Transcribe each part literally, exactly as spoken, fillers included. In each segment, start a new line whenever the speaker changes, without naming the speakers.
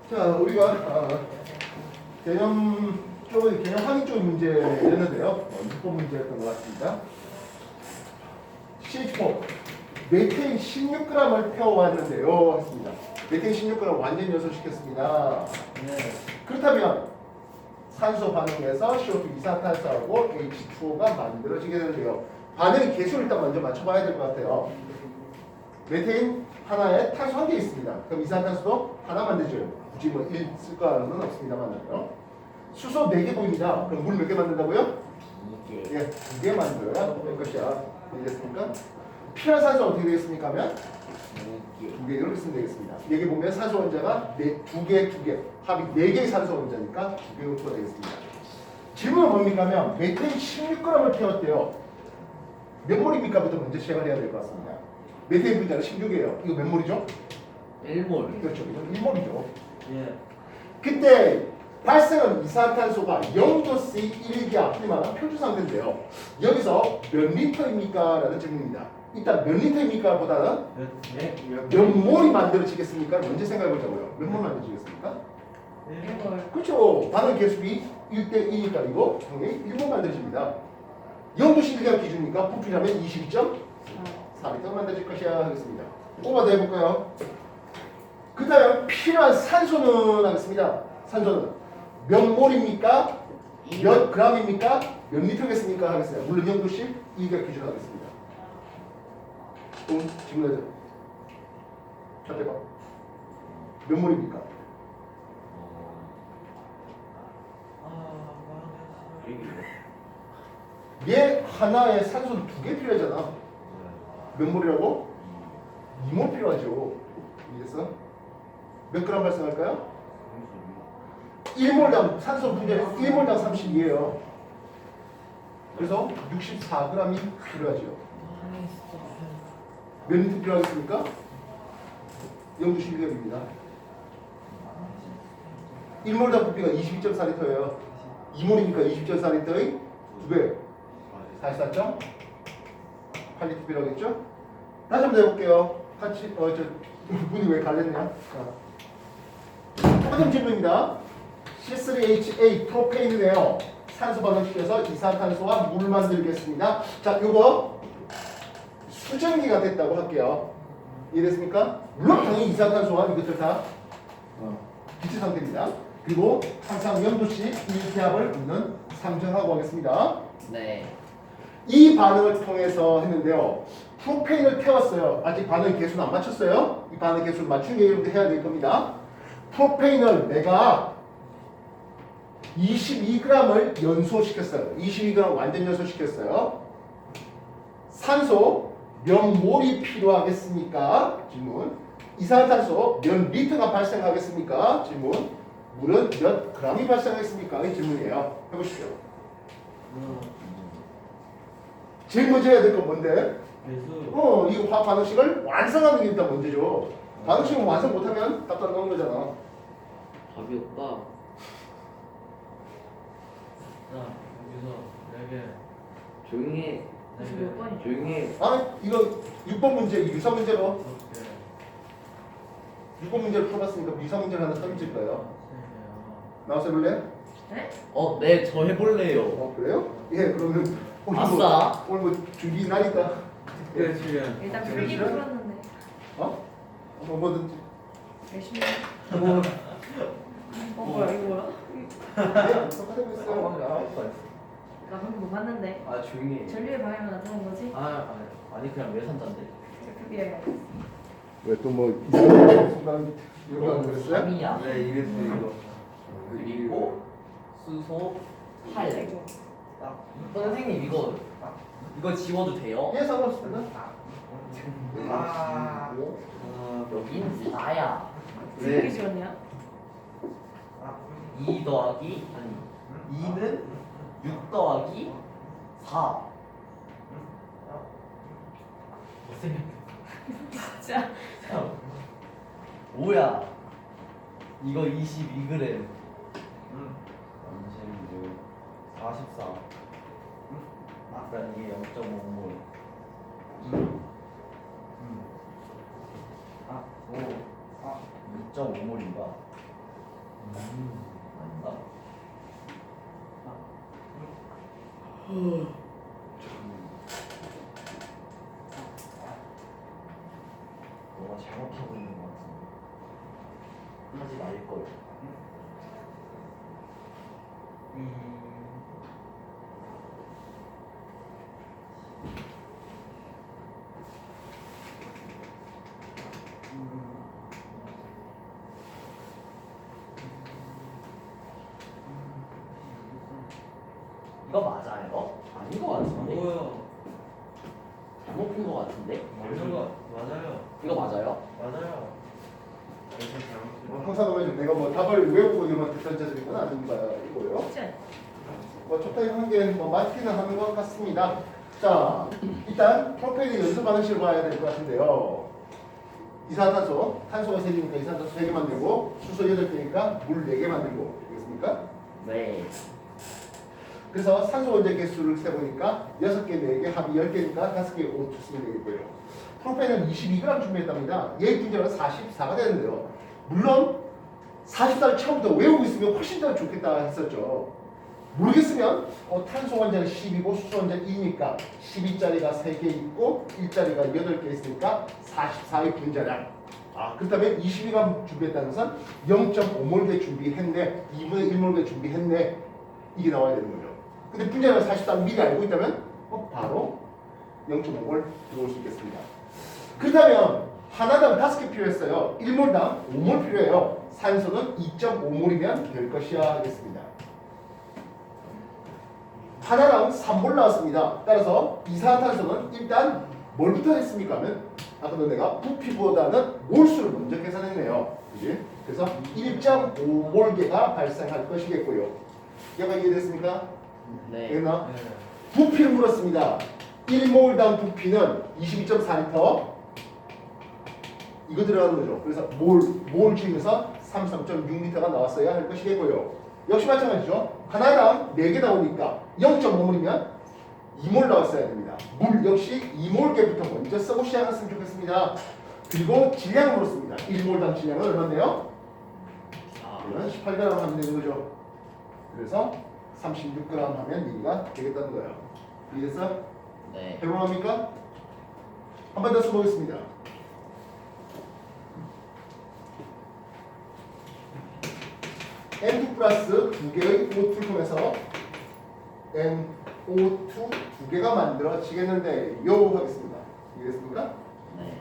자, 우리가 어, 개념 쪽은 개념 확인 쪽 문제였는데요. 어, 육 번 문제였던 것 같습니다. 씨에이치 사 메테인 십육 그램을 태워왔는데요. 했습니다. 메테인 십육 그램 완전 연소시켰습니다.
네.
그렇다면 산소 반응에서 씨 오 투 이산탄소하고 에이치 투 오가 만들어지게 되는데요. 반응의 개수를 일단 먼저 맞춰봐야 될 것 같아요. 메테인 하나에 탄소 한 개 있습니다. 그럼 이산탄소도 하나 만들죠. 굳이 뭐 일 쓸 거는 없습니다만요. 수소 네 개 보입니다. 그럼 물 몇 개 만든다고요?
이게
예, 두 개 만들어야 될 것이야. 이해됐습니까? 필요한 산소 어떻게 되겠습니까? 하면
이게
두 개 이렇게 쓰면 되겠습니다. 여기 보면 산소 원자가 네, 두 개, 두 개. 합이 네 개의 산소 원자니까 두 개가 되겠습니다. 질문은 뭡니까? 하면 메테인 십육 그램을 태웠대요. 몇 몰입니까? 부터 먼저 시작을 해야 될 것 같습니다. 메테인 분자는 십육이에요. 이거 몇 몰이죠?
일몰.
그렇죠. 이건 일 몰이죠.
예.
그때 발생한 이산탄소가 영 도 씨 일 기압, 흔히 말하는 표준 상태인데요. 여기서 몇 리터입니까? 라는 질문입니다. 일단 몇 리터입니까? 보다는
네.
몇 몰이 만들어지겠습니까? 먼저 생각해 보자고요. 몇 몰 만들어지겠습니까?
일몰.
그렇죠. 반응 개수비 일 대 이니까 이거 당연히 일 몰 만들어집니다. 영 도 씨 일 기압 기준이니까 부피라면 이십이 점 사 리터 만들어질 것이야 하겠습니다. 뽑아서 해볼까요? 그 다음 필요한 산소는 하겠습니다. 산소는 몇 몰입니까? 몇 그램입니까? 몇 리터겠습니까? 하겠습니다. 물론 영도씩 이가 기준하겠습니다. 응? 질문해줘. 자, 대박. 몇 몰입니까? 얘 하나에 산소는 두 개 필요하잖아. 몇 몰이라고? 이 몰 필요하죠. 이래서 몇 그램 발생할까요? 일 몰당 산소 분자는 일 몰당 삼십이에요. 그래서 육십사 그램이 필요하죠. 몇 리터 필요하겠습니까? 영 도 십 일 기압입니다. 일 몰당 부피가 이십이 점 사 리터예요. 이 몰이니까 이십 점 사 리터의 두 배. 사십사 점 팔 리터 필요하겠죠? 다시 한번 해볼게요. 같이 어저 문이 왜 갈렸냐? 자, 똑같은 질문입니다. 씨 쓰리 에이치 에이트 프로페인이네요. 산소 반응시켜서 이산탄소와 물 만들겠습니다. 자, 요거 수증기가 됐다고 할게요. 이해됐습니까? 물론 당연히 이산탄소와 이것들 다 어, 기체 상태입니다. 그리고 항상 영도씩 일 기압을 우리는 상정하고 하겠습니다.
네.
이 반응을 통해서 했는데요. 프로페인을 태웠어요. 아직 반응 개수는 안 맞췄어요. 이 반응 개수를 맞춘 게 여러분들 해야 될 겁니다. 프로페인을 내가 이십이 그램을 연소시켰어요. 이십이 그램 완전 연소시켰어요. 산소 몇 몰이 필요하겠습니까? 질문. 이산탄소 몇 리터가 발생하겠습니까? 질문. 물은 몇 그램이 발생하겠습니까? 이 질문이에요. 해보십시오. 제일 먼저 해야 될 건 뭔데?
배수.
어, 이 화학 반응식을 완성하는 게 일단 문제죠. 반응식을 완성 못하면 답도 안 나오는 거잖아.
답이 없다.
자, 여기서 네 개.
조용히 해.
네
몇 번이죠?
조용히 해.
아, 이거 육 번 문제, 유사 문제로
다섯 개.
육 번 문제를 풀어봤으니까 유사 문제를 하나 써줄 거예요.
세 개.
나와서 해볼래?
네?
어, 네, 저 해볼래요.
어, 그래요? 예, 그러면 오늘
아싸.
뭐, 오늘 뭐 준비 나니까
네, 지금.
일단
어,
풀기는
그러시죠?
풀었는데
어? 뭐 뭐든지.
열심히
뭐,
어 뭐야 이거 뭐야?
예, 똑같은 거 있어요.
나 방금 못 봤는데
아, 조용히 해.
전류의 방향은 나타난 거지?
아, 아니, 아니 그냥 외산자인데.
그게
왜 또 뭐 이상한 순간 이런 거 그랬어요?
삼이야.
네, 이랬어요, 이거.
그리고 수소 팔.
이거
선생님 이거 이거 지워도 돼요?
예, 상관없습니다.
아, 어, 여긴 사야.
어떻게 지웠냐?
이 더하기 아니 이는 육 더하기 사.
진짜
뭐야? 이거 이십이 그램.
삼십육.
사십사. 아까 이게 영 점 오 몰. 아, 오, 아, 육 점 오 몰인가? 아닌가? 너가 잘못하고 있는 것 같은데 하지 말걸. 이거 맞아요? 아닌 것 같은데?
뭐요?
잘못 본 것 같은데?
맞는 거 맞아요.
이거 맞아요?
맞아요. 그래서
뭐
잘못.
항상 보면 내가 뭐 답을 외우고 이만 던져드린 건 아닌가 이거요.
쉽지 않아.
뭐 적당히 한 게 뭐 맞기는 하는 것 같습니다. 자, 일단 프로페일의 연소 반응식을 봐야 될 것 같은데요. 이산화탄소, 탄소가 세 개니까 이산화탄소 세 개 만들고 수소 여덟 개니까 물 네 개 만들고 되겠습니까?
네.
그래서 산소 원자 개수를 세보니까 여섯 개, 네 개, 합이 열 개니까 다섯 개 O 투 쓰면 되겠고요. 프로페일은 이십이 그램 준비했답니다. 얘 분자는 사십사가 되는데요. 물론 사십사를 처음부터 외우고 있으면 훨씬 더 좋겠다 했었죠. 모르겠으면 어, 탄소 원자는 십이고 수소 원자는 이니까 십이짜리가 세 개 있고 일자리가 여덟 개 있으니까 사십사의 분자량. 아, 그렇다면 이십이 그램 준비했다는 것은 영 점 오 몰 준비했네. 이분의 일 몰 준비했네. 이게 나와야 되는 거죠. 근데 분자량 사십사를 미리 알고 있다면 어, 바로 영 점 오 몰 들어올 수 있겠습니다. 그렇다면 하나당 다섯 개 필요했어요. 일 몰당 오 몰 필요해요. 산소는 이 점 오 몰이면 될 것이야 하겠습니다. 하나당 삼 몰 나왔습니다. 따라서 이산화탄소는 일단 뭘부터 했습니까? 하면 아까도 내가 부피보다는 몰수를 먼저 계산했네요. 그지? 그래서 일 점 오 몰개가 발생할 것이겠고요. 얘가 이해됐습니까?
네.
됐나?
네.
부피를 물었습니다. 일 몰당 부피는 이십이 점 사 리터 이거 들어가는 거죠. 그래서 몰, 몰 중에서 삼십삼 점 육 리터가 나왔어야 할 것이겠고요. 역시 마찬가지죠. 하나당 네 개 나오니까 영 점 오 몰이면 이 몰 나왔어야 됩니다. 물 역시 이 몰개부터 먼저 쓰고 시작했으면 좋겠습니다. 그리고 질량을 물었습니다. 일 몰당 질량은 얼마인데요? 그러면 십팔 그램 하면 되는 거죠. 그래서 삼십육 그램 하면 얘가 되겠다는 거예요. 이해됐어?
네.
해볼합니까? 한 번 더 써보겠습니다. 엔 투 플러스 두 개의 오 투를 통해서 엔 오 투 두 개가 만들어지겠는데 요 하겠습니다. 이해됐습니까?
네.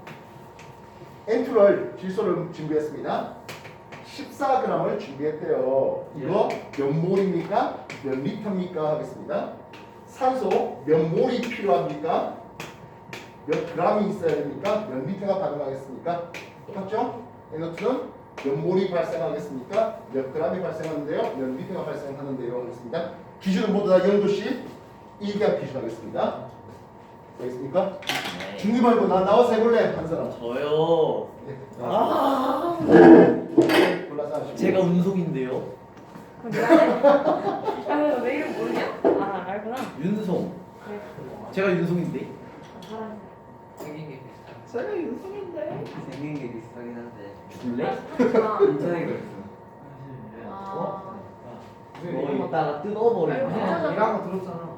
엔 투를 질소를 준비했습니다. 십사 그램을 준비했대요. 이거 몇 몰입니까? 몇 리터입니까? 하겠습니다. 산소 몇 몰이 필요합니까? 몇 그램이 있어야 됩니까? 몇 리터가 가능하겠습니까? 똑같죠? 엔 오 투는 몇 몰이 발생하겠습니까? 몇 그램이 발생하는데요? 몇 리터가 발생하는데요? 하겠습니다. 기준은 모두 다 영 도씩 일 개 기준하겠습니다. 되겠습니까?
네.
중립 말고 나 나와서 해볼래? 한 사람.
저요.
네.
아.
골라서 하시고.
제가 운송인데요.
그럼 내가 해? 아, 왜 이름 모르냐? 아, 알구나.
윤송.
그래.
제가 윤송인데.
아, 사람.
생긴 게 비슷한.
제가 윤송인데.
생긴 게 비슷하긴 한데.
줄래?
아,
인터넷 있어.
아,
너 이따가 뜯어버릴
아이고,
거야.
진짜.
이거 한거 들었잖아.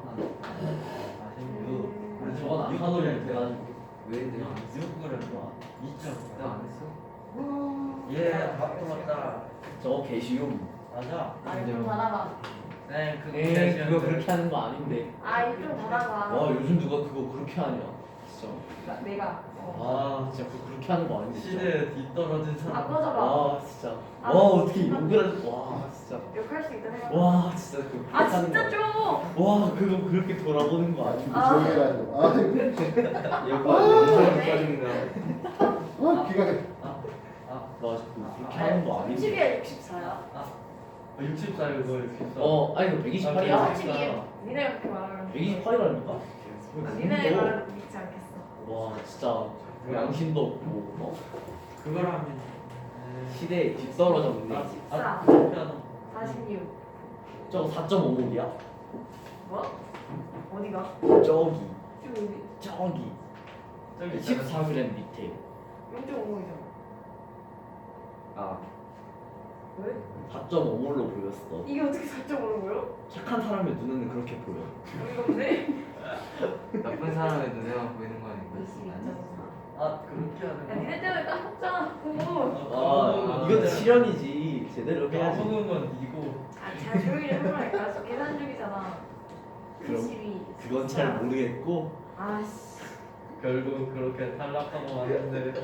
아니, 저건 안 하노래 돼가지고.
왜 내가
육 그램 좋아.
나안 했어?
음.
예, 밥 들었다.
저거 개쉬움.
맞아.
아, 좀 닫아봐.
네, 그거
에이 그거 그렇게 하는 거 아닌데.
아, 입좀 닫아봐.
와 요즘 누가 그거 그렇게 하냐. 진짜.
나- 내가.
아 진짜 그거 그렇게 하는 거 아닌데. 진짜.
시대에 뒤떨어진 사람.
아, 꺼져봐.
와 진짜.
아,
와 어떻게 욕을 하. 와 진짜.
욕할 수 있다 생각.
와 진짜 그거
아,
그렇게 하는
진짜
거
좀.
와 그거 그렇게 돌아보는 거 아니야?
아.
조용히 해가지고. 아,
여기가 영상 빠진다.
아, 기가 돼.
아 맞아 그거 그렇게 하는 거 아닌데.
삼십이야, 육십사야?
육십 살 그거 육십 살.
어 아니 그 백이십팔이야.
아,
삼십이. 니네가 그렇게 말하면.
백이십팔이라니까?
니네 말을 믿지 않겠어.
와 진짜 양심도 없고 어?
그걸 하면.
시대에 뒤떨어졌네.
십사.
피아노.
사십육.
저거 사 점 오 몰이야?
뭐? 어디가?
저기
좀 여기.
저기
저기
십사 그램 밑에.
영 점 오이잖아.
아
왜?
사 점 오 몰로 보였어.
이게 어떻게 사 점 오로 보여?
착한 사람의 눈에는 그렇게 보여.
어이가 없네.
나쁜 사람의 눈에만 보이는 거 아닌가? 아 그렇게
야
하는
니네 때문에 까먹잖아 그거.
아, 이건 실현이지. 제대로
거.
해야지.
까먹은 건 이고.
아잘 조용히 좀 해보라니까. 계산 중이잖아.
그럼
이십이.
그건 잘 모르겠고.
아씨.
결국 그렇게 탈락하고 왔는데.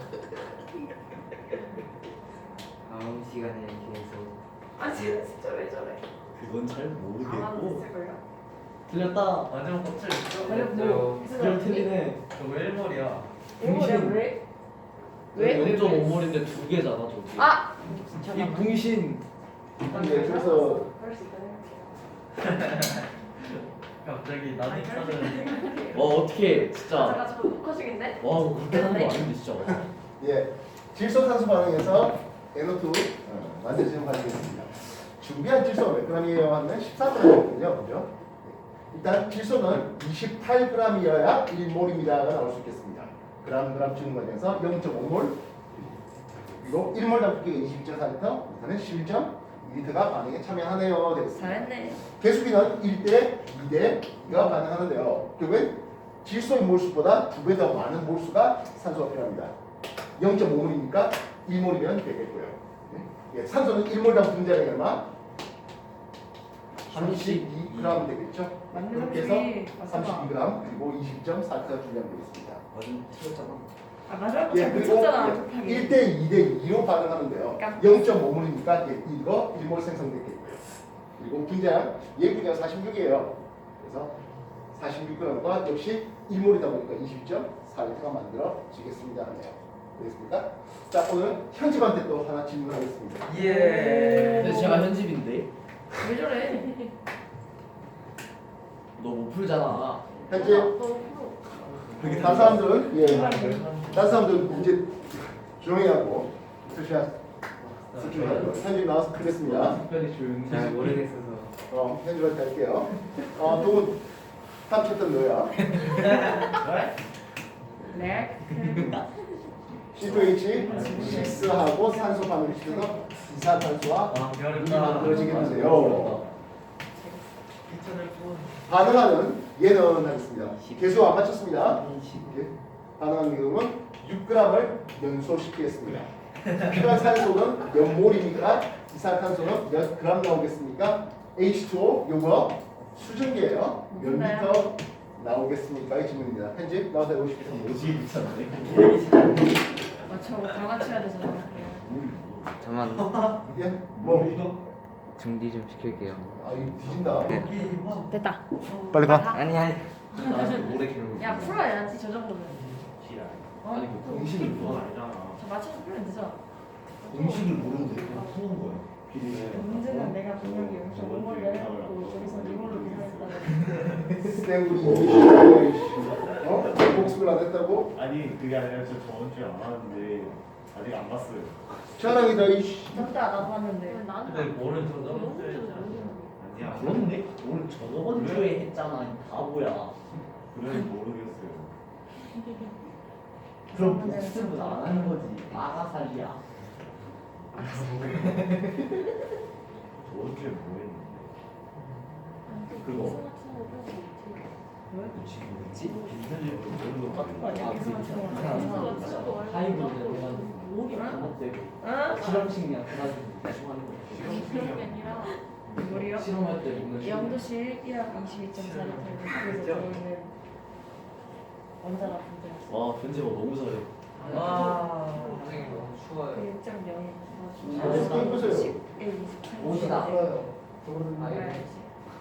다음 시간에 계속
아 진짜 왜 저래?
그건 잘
아마도
모르겠고.
됐을걸요?
틀렸다.
마지막 껍질 있죠?
아니 뭐
그럼 틀리네.
저거 일 몰이야.
뭐야 왜? 왜? 왜?
영 점 오
왜?
몰인데 두 개잖아 저기.
아!
이 붕신.
네, 그래서
그럴 수 있다.
갑자기
아,
나도 차는.
와 어떻게 진짜.
잠깐 저 녹화 중인데?
와 이거 그렇게 하는 거 아닌데 진짜.
예, 질소산소 반응에서 에노 투 어, 만들어지는 반응이겠습니다. 준비한 질소가 몇 g이에요 하면 십사 g이거든요. 그죠? 일단 질소는 이십팔 g이어야 일 몰입니다가 나올 수 있겠습니다. 그람 그람 주는 과정에서 영 점 오 몰 그리고 일 몰 담기가 이십이 점 사 리터, 일단은 십일 점 이 리터가 반응에 참여하네요. 되겠습니다.
잘했네.
개수비는 일 대 이 대 이가 반응하는데요. 결국엔 질소의 몰수보다 두 배 더 많은 몰수가 산소가 필요합니다. 영 점 오 몰이니까 일 몰이면 되겠고요. 예, 산소는 일 몰당 분자량이 얼마? 삼십이 그램 되겠죠?
맞는
그렇게
소리.
해서
맞아.
삼십이 그램 그리고 이십 점 사 리터 분량 되겠습니다.
완전 틀렸잖아.
아 마지막
예,
거
그리고
붙였잖아 급하게.
일 대 이 대 이로 반응하는데요.
깜-
영 점 오 몰이니까 예, 이거 일 몰 생성됐겠고요. 그리고 분자량, 얘 분자가 사십육이에요. 그래서 사십육 그램과 역시 일 몰이다 보니까 이십 점 사 리터가 만들어지겠습니다. 하네요. 되겠습니까? 자, 오늘 현집한테 또 하나 질문하겠습니다.
예.
근데 제가 현집인데
왜 저래?
너 못 풀잖아.
현재
너무
다른 사람들은 예, 다른 사람들은 문제 조용히 하고 수시한 수준하고 현집 나와서 크겠습니다.
특별히 조용히.
잘 모르겠어서
어, 현집한테 할게요. 어, 동은 탐쳤던 너야.
네.
씨 투 에이치 식스하고 산소 반응을 시켜서 이산탄소와
아
물이
어렵다.
만들어지겠는데요.
이천을 또.
반응하는 얘는 하겠습니다. 개수 안 맞췄습니다.
이십.
예. 반응하는 경우는 육 그램을 연소시키겠습니다. 필요한 산소는 몇 몰입니까? 이산탄소는 몇 그램 나오겠습니까? 에이치 투 오 요거 수증기예요. 몇 리터 나오겠습니까? 이 질문입니다. 편집 나와서 해보십시오.
오지게 미쳤네.
아 저거 다 맞춰야 되잖아.
잠만
예? 뭐?
준비 좀 시킬게요.
아 이거 뒤진다.
됐다.
빨리 가.
아니 아니
나한테 오래 기르는.
야 풀어야지 저 정도는. 어?
아니 그 공식을 몰라.
저 맞춰서 풀면 되죠.
공식을 모르는데 그냥 푸는 거야.
문제는 내가 분명히 여기서 오몰을 해놓고 저기서 이몰로 계산했다고.
땡구리 어? 복습을 안 했다고?
아니 그게 아니라 저 저번 주에 안 왔는데 아직 안 봤어요.
시원하기다 이씨.
맞다 나도 봤는데.
근데 뭐는 저 너무
아니야.
그렇네? 오늘 저번 주에 했잖아. 이 바보야.
그래 모르겠어요.
그럼 복습은 안 하는 거지. 아가살이야.
저번 주에 뭐 했는데?
그거.
그치 뭐지? 빈편집으로 모르는 거
아니야,
같아요.
아,
계산
그
맞추는 거.
그냥
계산 맞추는 거.
하이브리드 해가지고
뭐야?
반복되고
응?
실험식량 해가지고 대충 하는 거.
그런 게 아니라 뭐리요?
실험할 때 보면
영도실 일학 이십이 점 사 리터에서 그래서 들어있는 원자가 분자였어.
와 편집어 너무 잘해.
와. 굉장히 너무 추워요.
그 육 점 영이
아, 네, 해보세요.
오시다.
알아야지.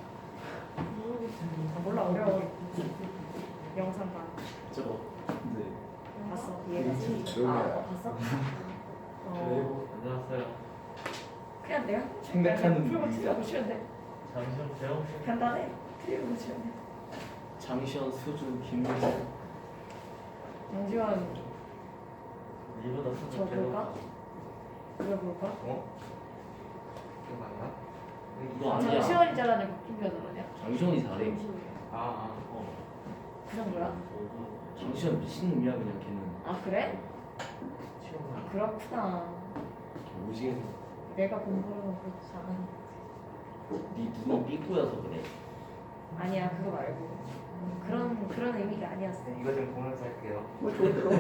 아, 몰라 어려워. 영상 봐.
저거. 네.
봤어? 이해가지?
조용히
아
해요.
봤어? 어.
안녕하세요.
그냥 내가
생각하는
풀고
일이야.
틀리고 치면 돼.
잠시만 재영 씨.
간단해. 틀리고 치면 돼.
장시현, 수준, 김민수.
양지원
이보다
저
수준
볼까? 이거 볼까?
어? 기억 안 나?
이거 아니야.
장시원이 잘하는 거 김비가 잘하냐?
장시현이 잘해.
아, 아.
어.
그 정도야?
장시현 미친놈이야 그냥 걔는.
아 그래?
시험
아 그렇구나.
오지게.
내가 공부하는 건 그렇게 잘하는
네 눈은 삐꾸여서 그래.
아니야 그거 말고 음, 그런 그런 의미가 아니었어.
이거 좀 보면서 할게요.
뭐 좋을까?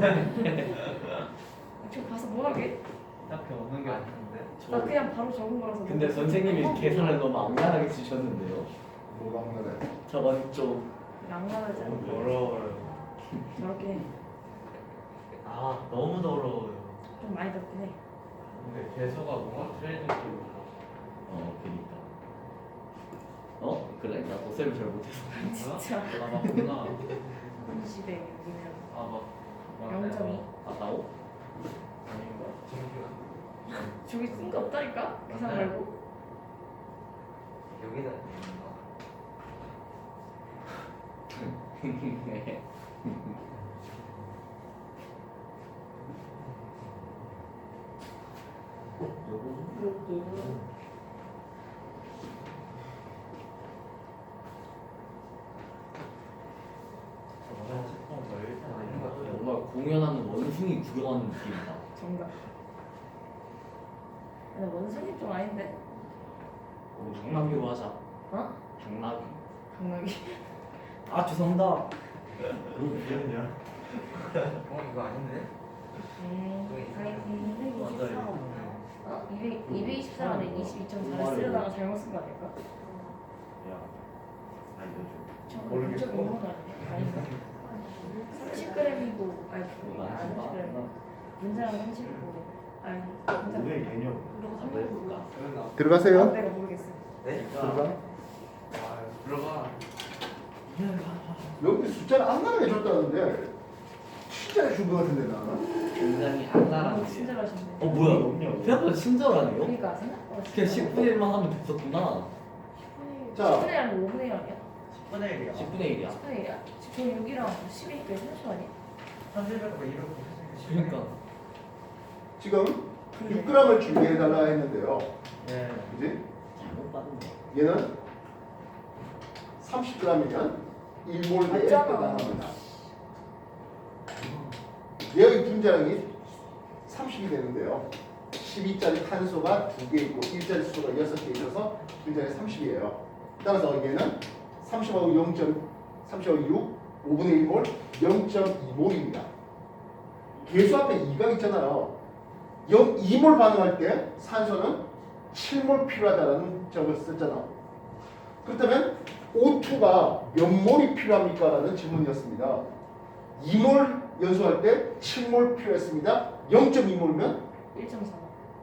저 가서 뭐 하게?
딱히 없는 게 아닌데.
나 그냥 바로 적은 거라서.
근데
너무-
선생님이
어,
계산을 너무 악랄하게 주셨는데요.
뭐가 없나요?
저건 좀
낭만하지 않아.
너무 어려워요.
저렇게 해.
아 너무 어려워요.
좀 많이 덥긴 해.
근데 개수가 뭔가 트레이딩 쪽으로.
어, 그니까. 어? 그래? 나 도쌤을 잘 못해서.
진짜.
아 맞구나.
이십에 여기면
아 맞.
영 점 이.
아까워?
아닌가?
저기 쓴 거 없다니까? 계산
맞아요.
말고.
여기다. 저번에 식품 저 일단 아닌 것 같아요.
뭔가 공연하는 원숭이 구경하는 느낌이다.
정답. 근데 원숭이 좀 아닌데?
당나귀로 하자.
어?
당나귀.
강나기.
아, 죄송합니다.
그럼 비었냐?
어 이거 아닌데?
음. 아니 이백이십사.
맞아요.
어? 이백 이백이십사는 이십이 점 사를 쓰려다가 잘못 쓴 거 아닐까?
야, 알려줘.
저거
모르겠어.
좀 있는 거 아니야? 아닌가? 삼십 그램이고 아니 그거 안 삼십 그램. 문제랑 삼십이고 아니 문제.
왜 개념?
그리고 삼십이고.
들어가세요.
내가 모르겠어.
네?
들어가.
아 들어가.
여기 숫자를 안나게 해줬다는데 진짜 준 거 같은데 나는.
굉장히
아,
악랄한데.
친절하신데.
어, 뭐야? 생각보다 친절하네요?
그러니까 생각보다.
그냥 십분의 일만 하면 됐었구나.
자.
십분의 일 아니면 오분의 일 아니야?
십분의 일이야.
십분의 일이야.
십분의 일이야? 저 육이랑 십이니까 삼십 아니야?
삼십을 뭐 이렇게.
그러니까.
지금 육 그램을 준비해달라 했는데요.
네.
그지?
잘못 받은 거.
얘는 삼십 그램이면 일 몰 내에
맞잖아.
해당합니다. 얘의 분자량이 삼십이 되는데요. 십이짜리 탄소가 두 개 있고 일자리 수소가 여섯 개 있어서 분자량이 삼십이에요. 따라서 얘는 삼십하고 영 점 삼십하고 육, 오분의 일 몰, 영 점 이 몰입니다. 계수 앞에 이가 있잖아요. 영 이 몰 반응할 때 산소는 칠 몰 필요하다는 점을 썼잖아. 그렇다면 오투가 몇 몰이 필요합니까? 라는 질문이었습니다. 이 몰 연소할 때 칠 몰 필요했습니다. 영 점 이 몰면
일 점 사.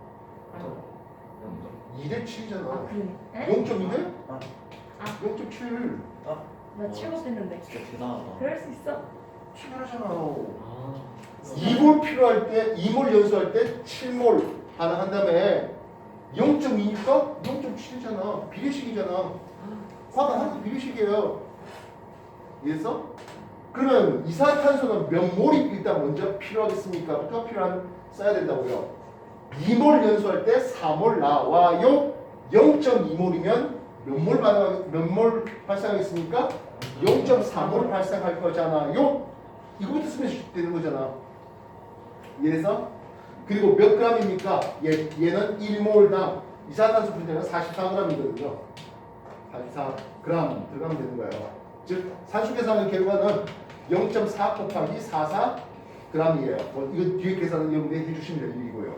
이 대 칠이잖아.
아 그러네. 에?
영 점 이 대
아.
영 점 칠.
나 칠곱 됐는데.
진짜 대단하다.
그럴 수 있어?
칠하잖아요.
아,
이 몰 필요할 때, 이 몰 연소할 때 칠 몰 반응한 다음에 영 점 이니까 영 점 칠이잖아. 비례식이잖아. 화가 항상 비례식이에요. 이해했어? 그러면 이산화탄소는 몇 몰이 일단 먼저 필요하겠습니까? 부터 필요한 써야 된다고요. 이 몰 연소할 때 사 몰 나와요. 영 점 이 몰이면 몇 몰 반응 몇몰 발생하겠습니까? 영 점 사 몰 발생할 거잖아요. 이거부터 쓰면 되는 거잖아. 이해해서? 그리고 몇 g입니까? 얘, 얘는 일 몰당 이산화탄소 분자가 사십사 그램이거든요. 사십사 그램 들어가면 되는 거예요. 즉 산수 계산의 결과는 영 점 사 곱하기 사십사 그램이에요. 뭐 이거 뒤에 계산은 여러분이 해주시면 될 일이고요.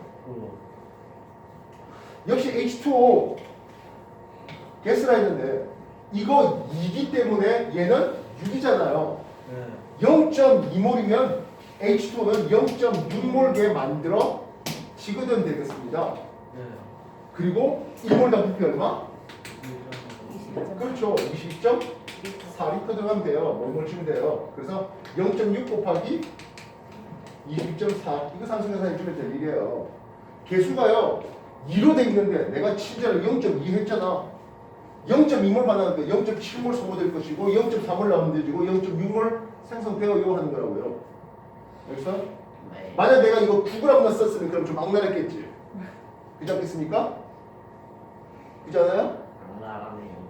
역시 에이치 투 오 게스라 했는데 이거 이기 때문에 얘는 육이잖아요.
네.
영 점 이 몰이면 에이치 투 오는 영 점 육 몰게 만들어 지거든 되겠습니다.
네.
그리고 일 몰당 부피 얼마?
이십이 점 사.
그렇죠. 이십이 점 사 리터 들어가면 돼요. 몰몰 치면 돼요. 그래서 영 점 육 곱하기 이십이 점 사 이거 산수계산해 주면 될 일이에요. 개수가요 이로 돼 있는데 내가 친절을 영 점 이 했잖아. 영 점 이 몰 받았는데 영 점 칠 몰 소모될 것이고 영 점 사 몰 나오면 되지고 영 점 육 몰 생성되어요 하는 거라고요. 여기서
네.
만약 내가 이거 구 그램만 썼으면 그럼 좀 악랄했겠지. 그렇지 않겠습니까? 그렇지 않아요?
악랄하네요.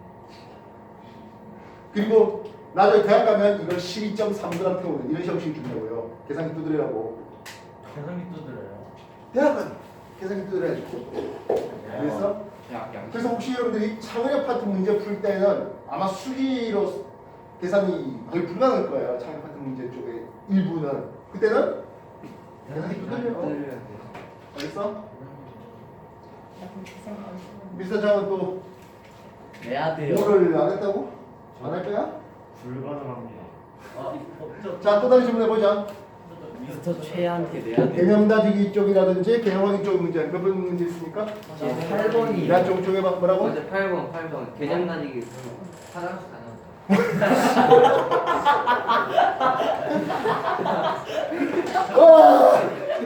그리고 나중에 대학 가면 이걸 십이 점 삼 그램 태우는 이런 형식이 준다고요. 계산기 두드리라고.
계산기 두드려요.
대학 가면 계산기 뜯어야 돼. 그래서
약, 약.
그래서 혹시 여러분들이 창의력 파트 문제 풀 때는 아마 수기로 계산이 거의 불가능할 거예요. 창의력 파트 문제 쪽에 일부는. 그때는 계산기 두들려.
뜯어야 돼요.
알겠어?
나 그럼 계산 안 쓰는
미스터 장은 또
내야 돼요.
뭐를 안 했다고? 안 할 거야?
불가능합니다.
아, 어, 저,
자, 또 다른 질문 해보자.
미스터 최한테 내야 돼요.
개념 다지기 쪽이라든지 개념 확인 쪽 문제 몇 번 문제 있습니까?
팔 번이요.
야, 좀 쪽에 봐 뭐라고?
맞아, 팔 번, 팔 번. 개념 다지기. 화장실 가나.
와!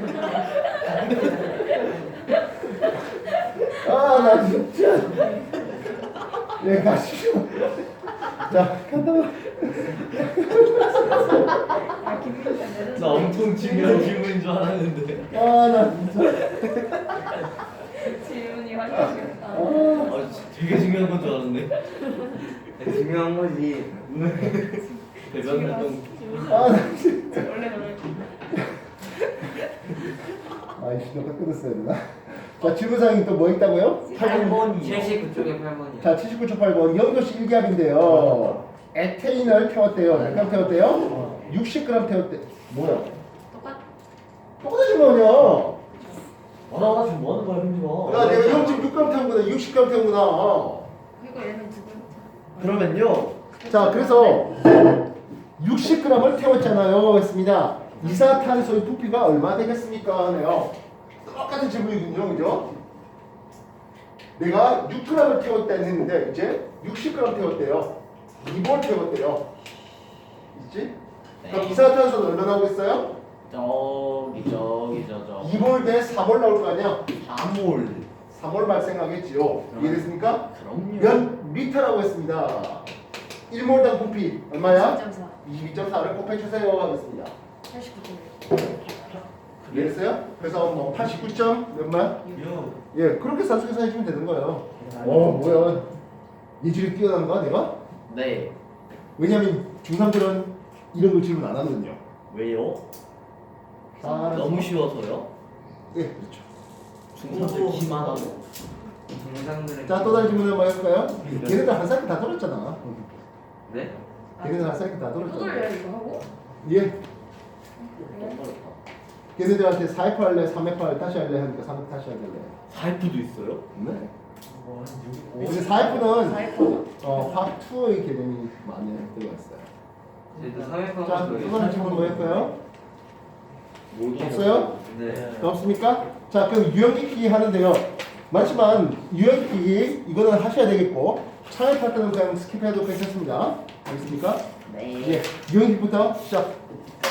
아, 나 진짜. 예, 가시죠. 자, 간다.
아 김민규가 내려서
나 엄청 중요한 질문인 줄 알았는데.
아, 나 진짜.
질문이 화려하겠다.
아, 되게 중요한 건 줄 알았네.
중요한 거지.
대박이나 좀.
아, 나 진짜.
원래 너는
아이씨, 너가 끊었어야 되나? 자, 질문사항이 또 뭐 있다고요?
팔 번이요.
칠십구 쪽에 팔 번이요.
자, 칠십구 초 팔 번 영도시 일 기압인데요. 에테인을 태웠대요. 몇 그램 태웠대요? 육십 그램 태웠대. 뭐야?
똑같.
똑같은 질문이야.
아, 나 지금 뭐 하는 거야, 형님아?
야, 내가 영 점 육 그램 태운구나, 육십 그램 태운구나.
그리고 얘는 두 번.
그러면요.
자, 그래서 육십 그램을 태웠잖아요. 했습니다. 이산화탄소의 부피가 얼마 되겠습니까? 하네요. 똑같은 질문이군요. 그죠? 내가 육 그램을 태웠다 했는데 이제 육십 그램 태웠대요. 이 몰 태웠대요. 있지? 그럼 이산화탄소는 얼마 나오겠어요?
저기, 저기, 저, 저.
이 몰 대 사 몰 나올 거 아니야?
사 몰.
사 몰 발생하겠지요. 이해됐습니까?
그럼요.
몇 미터라고 했습니다. 일 몰당 부피 얼마야?
점 사.
이십이 점 사를 곱해주세요 하겠습니다.
팔십구 점
이해됐어요? 그래서 뭐 팔십구 점 몇만?
요.
예, 그렇게 산수계산 해주면 되는 거예요. 어, 뭐야? 예질이 뛰어난가 내가?
네.
왜냐면 중삼들은 이런 거 질문 안 하거든요.
왜요?
아,
너무 쉬워서요?
예, 그렇죠.
중삼들 기만하고.
동상들의.
자, 또 다른 질문 한번 해볼까요? 걔네들 한 사이클 다 돌았잖아.
네?
걔네들 한 사이클 다
또
돌았잖아.
돌려요 이거 하고?
예. 걔네들한테 사 F 할래, 삼 F 할래, 다시 할래 하니까 삼 F 다시 할래.
사이프도 있어요?
네. 근데 사 F는
사 F.
어, 화투의 개념이 많이 들어가 있어요.
저희도 삼 회
자, 또 다른 질문 뭐 할까요?
모두
없어요?
네.
더 없습니까? 자, 그럼 유형기기 하는데요. 맞지만 유형기기 이거는 하셔야 되겠고 창의 파트는 그냥 스킵해도 괜찮습니다. 알겠습니까?
네.
예, 유형기기부터 시작.